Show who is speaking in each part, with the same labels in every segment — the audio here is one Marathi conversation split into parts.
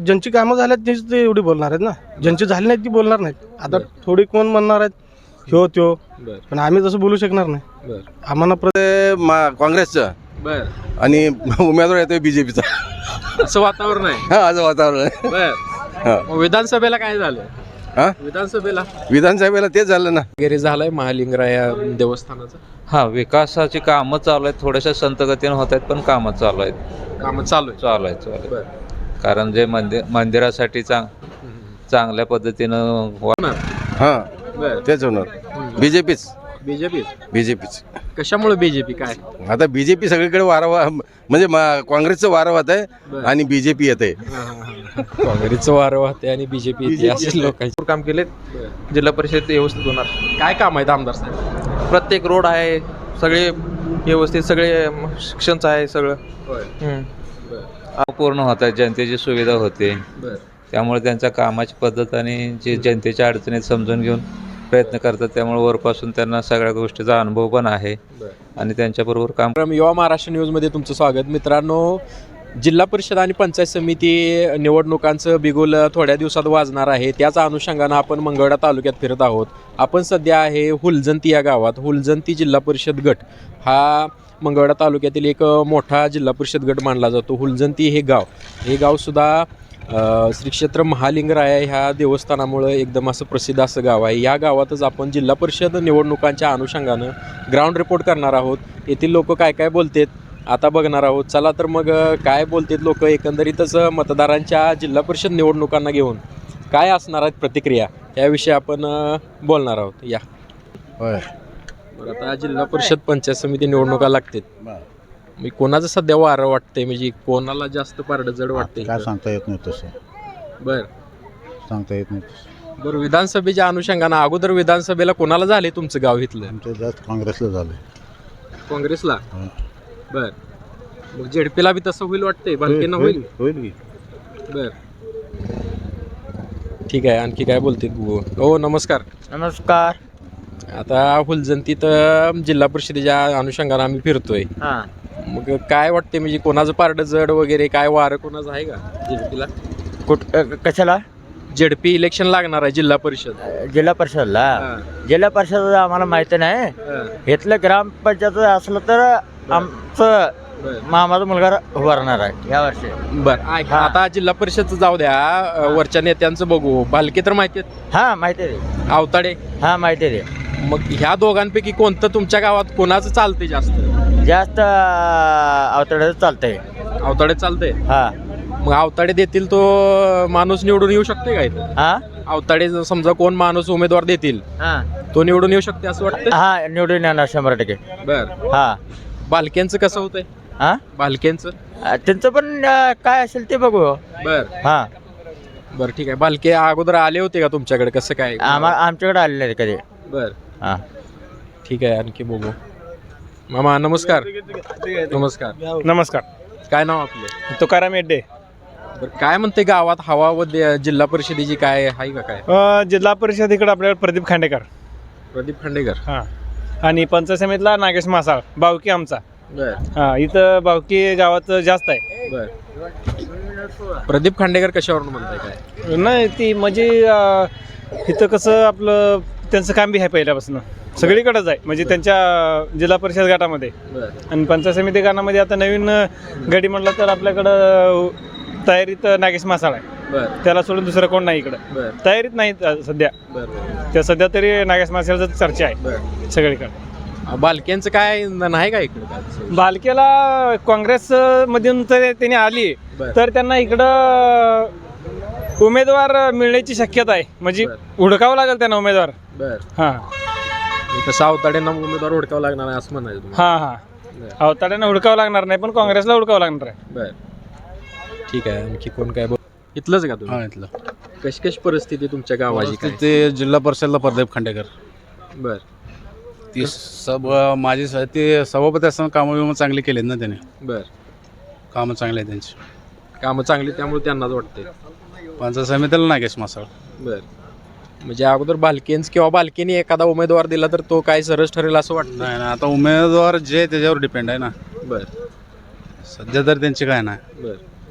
Speaker 1: ज्यांची कामं झाल्यात तेच ते एवढी बोलणार आहेत ना, ज्यांची झाली नाहीत ती बोलणार नाहीत. आता थोडी कोण म्हणणार आहेत ह्यो त्यो, पण आम्ही तसं बोलू शकणार नाही. आम्हाला
Speaker 2: काँग्रेसचं
Speaker 3: बर
Speaker 2: आणि उमेदवार येतोय बीजेपीचा.
Speaker 3: असं वातावरण आहे.
Speaker 2: हा असं वातावरण आहे.
Speaker 3: बर मग विधानसभेला काय झालं?
Speaker 2: हा
Speaker 3: विधानसभेला
Speaker 2: तेच झालं ना.
Speaker 3: वगैरे झालंय महालिंगराया देवस्थानाचं.
Speaker 4: हा, विकासाची कामं चालू आहेत, थोड्याशा संतगतीनं होत आहेत, पण कामं चालू आहेत.
Speaker 3: कामं चालू आहे.
Speaker 4: चालू आहेत.
Speaker 3: बर
Speaker 4: कारण जे मंदिरासाठी चांगल्या पद्धतीनं
Speaker 2: हा
Speaker 3: बर
Speaker 2: तेच होणार. बीजेपीच.
Speaker 3: कशामुळे बीजेपी? काय
Speaker 2: आता बीजेपी सगळीकडे वारंवार म्हणजे काँग्रेसचं वारं वाहत आहे आणि बीजेपी येत आहे.
Speaker 3: काँग्रेसचं वारं वाहते आणि बीजेपी येते. असे लोकांचे
Speaker 5: काम केले. जिल्हा परिषद व्यवस्थित होणार.
Speaker 3: काय काम आहेत आमदार साहेब?
Speaker 5: प्रत्येक रोड आहे, सगळे व्यवस्थित, सगळे शिक्षणचं आहे सगळं.
Speaker 4: पूर्ण होत आहेत, जनतेची सुविधा होते. त्यामुळे त्यांच्या कामाची पद्धत आणि जे जनतेच्या अडचणीत समजून घेऊन प्रयत्न करतात, त्यामुळे वरपासून त्यांना सगळ्या गोष्टीचा अनुभव पण आहे आणि त्यांच्याबरोबर काम.
Speaker 3: युवा महाराष्ट्र न्यूजमध्ये तुमचं स्वागत. मित्रांनो, जिल्हा परिषद आणि पंचायत समिती निवडणुकांचं बिगुल थोड्या दिवसात वाजणार आहे. त्याच अनुषंगानं आपण मंगळवेढा तालुक्यात फिरत आहोत. आपण सध्या आहे हुलजंती या गावात. हुलजंती जिल्हा परिषद गट हा मंगळवेढा तालुक्यातील एक मोठा जिल्हा परिषद गट मानला जातो. हुलजंती हे गावसुद्धा श्री क्षेत्र महालिंगराया ह्या देवस्थानामुळे एकदम असं प्रसिद्ध असं गाव आहे. या गावातच आपण जिल्हा परिषद निवडणुकांच्या अनुषंगानं ग्राउंड रिपोर्ट करणार आहोत. येथील लोक काय काय बोलतात आता बघणार आहोत. चला तर मग काय बोलतात लोक, एकंदरीतच मतदारांच्या जिल्हा परिषद निवडणुकांना घेऊन काय असणार आहेत प्रतिक्रिया, याविषयी आपण बोलणार आहोत. या बरं, आता जिल्हा परिषद पंचायत समिती निवडणुका लागतात. मी कोणाचं सध्या वारं वाटतंय, म्हणजे कोणाला जास्त पारडं जड वाटतंय?
Speaker 6: काय सांगता येत नाही तसं.
Speaker 3: सांगता येत नाही. बरं, विधानसभेच्या अनुषंगानं अगोदर विधानसभेला कोणाला झाले तुमचं गाव इथलं?
Speaker 6: आमचं जास्त काँग्रेसला झालं.
Speaker 3: काँग्रेसला. बर, मग झेडपीला बी तसं होईल वाटतंय? बालकेनं होईल
Speaker 6: की.
Speaker 3: बर, ठीक आहे. आणखी काय बोलते? हो, नमस्कार. आता हुलजंतीत जिल्हा परिषदेच्या अनुषंगानं आम्ही फिरतोय. मग काय वाटते, म्हणजे कोणाचं पारडं जड वगैरे, काय वारं कोणाचं आहे का झेडपीला?
Speaker 7: कशाला?
Speaker 3: झेडपी इलेक्शन लागणार आहे जिल्हा परिषद.
Speaker 7: जिल्हा परिषद आम्हाला माहिती नाही. इथलं ग्रामपंचायत असलं तर आमचं मामाचा मुलगा उभारणार आहे या वर्षी.
Speaker 3: बर, आता जिल्हा परिषदचं जाऊ द्या, वरच्या नेत्यांचं बघू. भालके तर माहिती आहेत?
Speaker 7: हा माहिती आहे.
Speaker 3: आवताडे?
Speaker 7: हा माहिती आहे.
Speaker 3: मग ह्या दोघांपैकी कोणतं तुमच्या गावात कोणाचं चालतंय
Speaker 7: जास्त अवतड्याचं चालतंय.
Speaker 3: आवताडे चालतंय.
Speaker 7: हा,
Speaker 3: मग आवताडे देतील तो माणूस निवडून येऊ शकते का इथं?
Speaker 7: हा,
Speaker 3: आवताडे समजा कोण माणूस उमेदवार देतील
Speaker 7: हा,
Speaker 3: तो निवडून येऊ शकते असं वाटतं?
Speaker 7: हा, निवडून येणार 100%.
Speaker 3: बर,
Speaker 7: हा.
Speaker 3: बालकेंचं कसं होतंय?
Speaker 7: हा,
Speaker 3: बालकेंचं
Speaker 7: त्यांचं पण काय असेल ते बघू.
Speaker 3: बर,
Speaker 7: हा,
Speaker 3: बर, ठीक आहे. बालके अगोदर आले होते का तुमच्याकडे? कसं काय?
Speaker 7: आमच्याकडे आलेले नाही कधी.
Speaker 3: बर,
Speaker 7: हा,
Speaker 3: ठीक आहे. आणखी बघू. मामा नमस्कार.
Speaker 1: नमस्कार.
Speaker 3: काय नाव आपलं?
Speaker 1: तुकाराम येड्डे.
Speaker 3: बरं, काय म्हणते गावात हवा व जिल्हा परिषदेची काय आहे का? काय
Speaker 1: जिल्हा परिषद इकडे आपल्याकडे प्रदीप खांडेकर.
Speaker 3: हां,
Speaker 1: आणि पंचायत समितीला नागेश मासाळ, बावकी आमचा.
Speaker 3: बर,
Speaker 1: हा, इथं बावकी गावात जास्त आहे.
Speaker 3: बर. प्रदीप खांडेकर कशावरून म्हणताय? काय
Speaker 1: नाही, ती म्हणजे इथं कसं आपलं त्यांचं काम बी आहे पहिल्यापासून, सगळीकडेच आहे. म्हणजे त्यांच्या जिल्हा परिषद गटामध्ये आणि पंचायत समिती गटामध्ये आता नवीन गडी म्हटलं तर आपल्याकडं तयारीत नागेश मासाळ आहे. त्याला सोडून दुसरं कोण नाही इकडं तयारीत नाही सध्या. त्या सध्या तरी नागेश मासाळचं चर्चा आहे सगळीकडे.
Speaker 3: बालकेंचं काय नाही का इकडं?
Speaker 1: बालकेला काँग्रेस मधून तर त्यांनी आली तर त्यांना इकडं उमेदवार मिळण्याची शक्यता आहे. म्हणजे हुडकावं लागेल त्यांना उमेदवार. हा,
Speaker 3: तसं अवताड्यांना उमेदवार हुडकावं लागणार आहे असं म्हणायचं?
Speaker 1: हा, अवताड्यांना हुडकावं लागणार नाही, पण काँग्रेसला हुडकावं लागणार आहे.
Speaker 3: बर, ठीक आहे. आणखी कोण काय बोल? इथलंच का तुम्ही?
Speaker 6: इथलं.
Speaker 3: कशी परिस्थिती तुमच्या गावाची? काय
Speaker 6: ते जिल्हा परिषदला प्रदीप खांडेकर.
Speaker 3: बर,
Speaker 6: ती माझी ते सभापती असताना कामं चांगली केलीत ना त्याने.
Speaker 3: बर,
Speaker 6: कामं चांगली आहेत त्यांची.
Speaker 3: कामं चांगली त्यामुळे त्यांनाच वाटते.
Speaker 6: पंचायत समितीला नागेश मासाळ.
Speaker 3: बर, म्हणजे अगोदर बालकेन्स किंवा बालकेने एखादा उमेदवार दिला तर तो काय सरस ठरेल असं वाटतं?
Speaker 6: नाही ना, आता उमेदवार जे त्याच्यावर डिपेंड आहे ना.
Speaker 3: बर,
Speaker 6: सध्या तर त्यांची काय नाही.
Speaker 3: बर,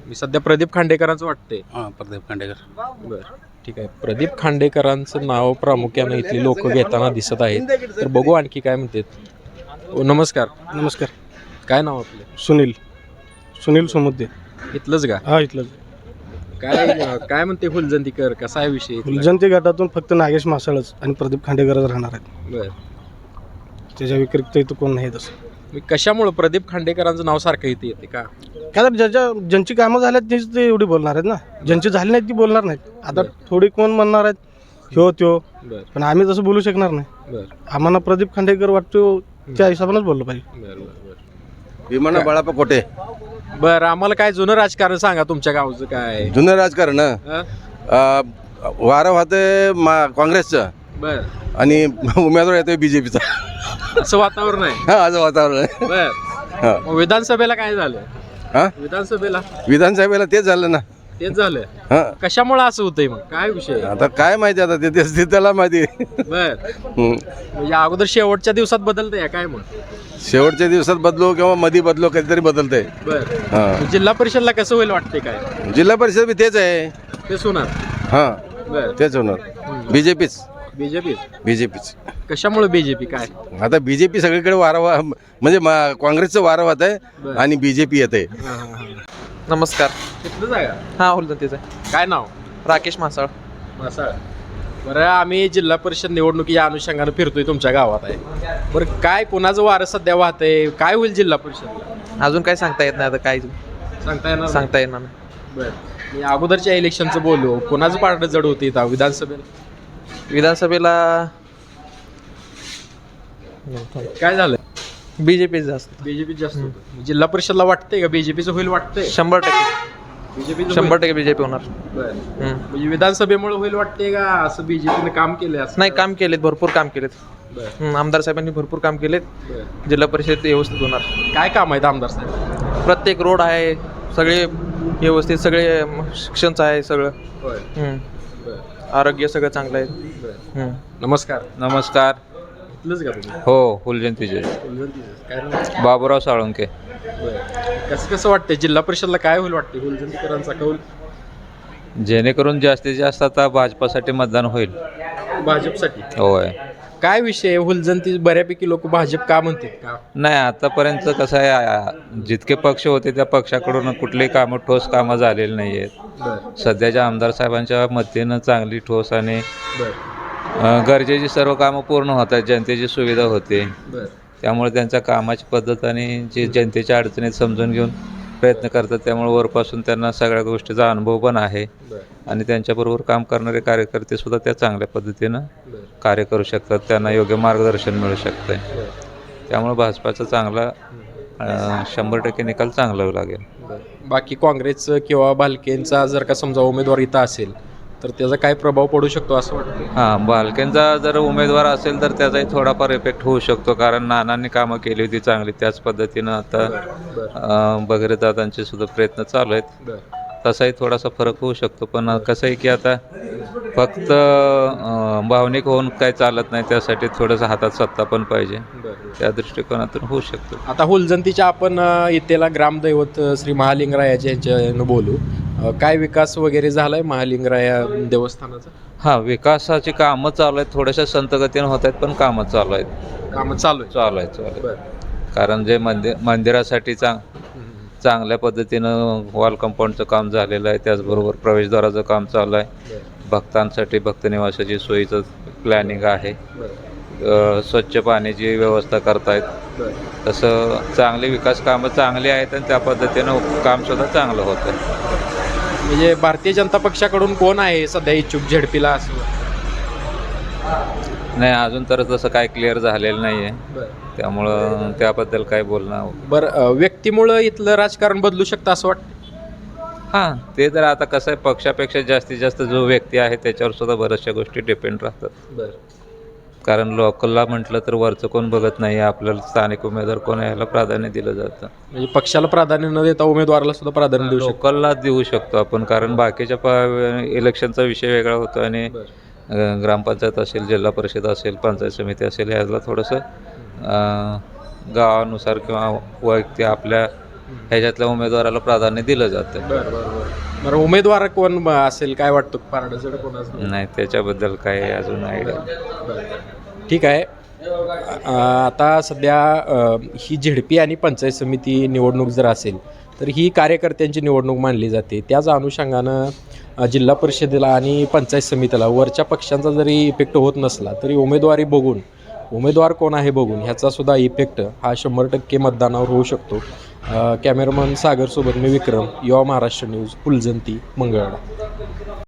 Speaker 3: मी सध्या प्रदीप खांडेकरांचं वाटतंय.
Speaker 6: हां प्रदीप खांडेकर.
Speaker 3: बरं ठीक आहे. प्रदीप खांडेकरांचं नाव प्रामुख्यानं इथली लोक घेताना दिसत आहेत. तर बघू आणखी काय म्हणतात. नमस्कार.
Speaker 8: नमस्कार.
Speaker 3: काय नाव आपलं?
Speaker 8: सुनील समुद्दे.
Speaker 3: इथलंच का?
Speaker 8: हा इथलं.
Speaker 3: काय म्हणते फुलजंतीकर, कसा आहे विषय इथला?
Speaker 8: फुलजंती गटातून फक्त नागेश मासाळच आणि प्रदीप खांडेकरच राहणार आहेत.
Speaker 3: बरं.
Speaker 8: त्याच्या व्यतिरिक्त इथं कोण नाही तसं.
Speaker 3: मी कशामुळं प्रदीप खांडेकरांचं नाव सारखं इथे येते का?
Speaker 8: काय तर ज्यांची कामं झाल्यात तीच ते एवढी बोलणार आहेत ना. ज्यांची झाली नाहीत ती बोलणार नाहीत. आता थोडी कोण म्हणणार आहेत ह्यो त्यो,
Speaker 3: बरं
Speaker 8: पण आम्ही तसं बोलू शकणार नाही.
Speaker 3: बरं
Speaker 8: आम्हाला प्रदीप खांडेकर वाटतो त्या हिशोबानेच बोललं पाहिजे.
Speaker 3: बरं बरं
Speaker 2: विमाना बाळाप्पा कोटे.
Speaker 3: बरं आम्हाला काय जुनं राजकारण सांगा तुमच्या गावचं काय?
Speaker 2: जुनं राजकारण
Speaker 3: हं?
Speaker 2: वारं वाहतंय काँग्रेसचं
Speaker 3: बरं
Speaker 2: आणि उमेदवार येतोय बीजेपीचा.
Speaker 3: असं वातावरण आहे.
Speaker 2: हा असं वातावरण आहे.
Speaker 3: बरं
Speaker 2: हा.
Speaker 3: मग विधानसभेला काय झालं?
Speaker 2: हा
Speaker 3: विधानसभेला
Speaker 2: विधानसभेला तेच झालं ना.
Speaker 3: तेच झालं.
Speaker 2: हा
Speaker 3: कशामुळे असं होतंय मग काय विषय?
Speaker 2: आता काय माहिती आता ते त्याला माहिती.
Speaker 3: बर
Speaker 2: हम्म.
Speaker 3: म्हणजे अगोदर शेवटच्या दिवसात बदलतंय काय मग?
Speaker 2: शेवटच्या दिवसात बदलो किंवा मध्ये बदलो कधीतरी बदलतंय.
Speaker 3: बर
Speaker 2: हा
Speaker 3: जिल्हा परिषदला कसं होईल वाटतंय काय?
Speaker 2: जिल्हा परिषद बी तेच आहे.
Speaker 3: तेच होणार.
Speaker 2: हा
Speaker 3: बर
Speaker 2: तेच होणार. बीजेपीच बीजेपीच.
Speaker 3: कशामुळे बीजेपी काय?
Speaker 2: आता बीजेपी सगळीकडे म्हणजे काँग्रेसचं वारं वाहत आहे आणि बीजेपी येत आहे.
Speaker 5: नमस्कार.
Speaker 3: तिथलं जागा
Speaker 5: हा फुलजंतीचं आहे.
Speaker 3: काय नाव?
Speaker 5: राकेश मासाळ.
Speaker 3: मासाळ. बरं आम्ही जिल्हा परिषद निवडणुकीच्या अनुषंगानं फिरतोय तुमच्या गावात आहे. बरं काय कोणाचं वारं सध्या वाहतंय? काय होईल जिल्हा परिषदला?
Speaker 5: अजून काय सांगता येत नाही आता काय
Speaker 3: सांगता येणार नाही?
Speaker 5: सांगता येणार नाही.
Speaker 3: बरं मी अगोदरच्या इलेक्शनचं बोललो. कोणाचं पारडं जड होतं इथं विधानसभेला?
Speaker 5: विधानसभेला
Speaker 3: काय झालं?
Speaker 5: बीजेपी जास्त.
Speaker 3: बीजेपी जास्त होतं. जिल्हा परिषदला वाटतंय का बीजेपीचं होईल वाटतंय?
Speaker 5: 100%
Speaker 3: बीजेपी
Speaker 5: 100% बीजेपी होणार.
Speaker 3: म्हणजे विधानसभेमुळे होईल वाटतंय का असं बीजेपीने काम केलंय असं?
Speaker 5: नाही काम केलेत, भरपूर काम केलेत.
Speaker 3: बरं.
Speaker 5: आमदार साहेबांनी भरपूर काम केलेत.
Speaker 3: बरं.
Speaker 5: जिल्हा परिषद व्यवस्थित होणार.
Speaker 3: काय काम आहेत आमदार साहेब?
Speaker 5: प्रत्येक रोड आहे, सगळे व्यवस्थित, सगळे शिक्षणचं आहे सगळं.
Speaker 3: होय.
Speaker 5: आरोग्य सगळं चांगलं आहे.
Speaker 3: नमस्कार.
Speaker 4: नमस्कार.
Speaker 3: इथलंच का तुम्ही?
Speaker 4: हो फुलजयंतीचे.
Speaker 3: काय नाव?
Speaker 4: बाबूराव साळुंके.
Speaker 3: कसं वाटतंय जिल्हा परिषदला काय होईल वाटते फुलजंतीकरांचा कौल?
Speaker 4: जेणेकरून जास्तीत जास्त आता भाजपासाठी मतदान होईल.
Speaker 3: भाजपसाठी.
Speaker 4: होय.
Speaker 3: काय विषय फुलजंती बऱ्यापैकी लोक भाजप का म्हणतात का?
Speaker 4: नाही आतापर्यंत कसं आहे जितके पक्ष होते त्या पक्षाकडून कुठलेही कामं ठोस कामं झालेली नाही आहेत. सध्याच्या आमदार साहेबांच्या मतीनं चांगली ठोस आणि गरजेची सर्व कामं पूर्ण होत आहेत. जनतेची सुविधा होते. त्यामुळे त्यांच्या कामाची पद्धत आणि जे जनतेच्या अडचणीत समजून घेऊन प्रयत्न करतात. त्यामुळे वरपासून त्यांना सगळ्या गोष्टीचा अनुभव पण आहे आणि त्यांच्याबरोबर काम करणारे कार्यकर्ते सुद्धा त्या चांगल्या पद्धतीनं कार्य करू शकतात. त्यांना योग्य मार्गदर्शन मिळू शकतं. त्यामुळे भाजपाचा चांगला 100% निकाल चांगला लागेल.
Speaker 3: बाकी काँग्रेसचं किंवा भालकेंचा जर का समजा उमेदवार इथं असेल तर त्याचा काय प्रभाव पडू शकतो असं वाटतं?
Speaker 4: हां बालकेंचा जर उमेदवार असेल तर त्याचाही थोडाफार इफेक्ट होऊ शकतो. कारण नानांनी कामं केली होती चांगली. त्याच पद्धतीनं आता बगैरे दादांचे सुद्धा प्रयत्न चालू आहेत. तसाही थोडासा फरक होऊ शकतो. पण कसं आहे की आता फक्त भावनिक होऊन काय चालत नाही. त्यासाठी थोडंसं हातात सत्ता पण पाहिजे. त्या दृष्टिकोनातून होऊ शकतो.
Speaker 3: आता हुलजंतीच्या आपण इथेला ग्रामदैवत श्री महालिंगरायाच्या यांच्यानं बोलू. काय विकास वगैरे झालाय महालिंगराया देवस्थानाचा?
Speaker 4: हां विकासाची कामं चालू आहेत. थोड्याशा संतगतीनं होत आहेत पण कामं चालू आहेत.
Speaker 3: कामं चालू आहे.
Speaker 4: कारण जे मंदिरासाठी चांगल्या पद्धतीनं वॉल कंपाऊंडचं काम झालेलं आहे. त्याचबरोबर प्रवेशद्वाराचं काम चालू आहे. भक्तांसाठी भक्त निवासाची सोयीचं प्लॅनिंग आहे. स्वच्छ पाण्याची व्यवस्था करतायत. तसं चांगली विकास कामं चांगली आहेत आणि त्या पद्धतीनं कामसुद्धा चांगलं होतं.
Speaker 3: म्हणजे भारतीय जनता पक्षाकडून कोण आहे सध्या इच्छुक झेडपीला असं?
Speaker 4: नाही अजून तर तसं काय क्लिअर झालेलं नाही आहे. त्यामुळं त्याबद्दल काय बोलणं.
Speaker 3: बरं व्यक्तीमुळं इथलं राजकारण बदलू शकतं असं वाटतं?
Speaker 4: हां ते तर आता कसं आहे पक्षापेक्षा जास्तीत जास्त जो व्यक्ती आहे त्याच्यावर सुद्धा बऱ्याचशा गोष्टी डिपेंड राहतात. कारण लोकलला म्हटलं तर वरचं कोण बघत नाही. आपल्याला स्थानिक उमेदवार कोण याला प्राधान्य दिलं जातं.
Speaker 3: म्हणजे पक्षाला प्राधान्य न देता उमेदवाराला सुद्धा प्राधान्य देऊ शकतो?
Speaker 4: लोकलला देऊ शकतो आपण. कारण बाकीच्या इलेक्शनचा विषय वेगळा होतो आणि ग्रामपंचायत असेल, जिल्हा परिषद असेल, पंचायत समिती असेल याला थोडंसं गावानुसार किंवा वैयक्तिक आपल्या ह्याच्यातल्या उमेदवाराला प्राधान्य दिलं जातं.
Speaker 3: बरं उमेदवार कोण असेल काय वाटतं पारडसड कोण असेल?
Speaker 4: नाही त्याच्याबद्दल काही अजून आयडिया.
Speaker 3: ठीक आहे. आता सध्या ही झेडपी आणि पंचायत समिती निवडणूक जर असेल तर ही कार्यकर्त्यांची निवडणूक मानली जाते. त्याच अनुषंगानं जिल्हा परिषदेला आणि पंचायत समितीला वरच्या पक्षांचा जरी इफेक्ट होत नसला तरी उमेदवारी बघून उमेदवार कोण आहे बघून ह्याचा सुद्धा इफेक्ट हा 100% मतदानावर होऊ शकतो. कॅमेरामन सागरसोबत मी विक्रम, युवा महाराष्ट्र न्यूज, फुलजंती, मंगळवेढा.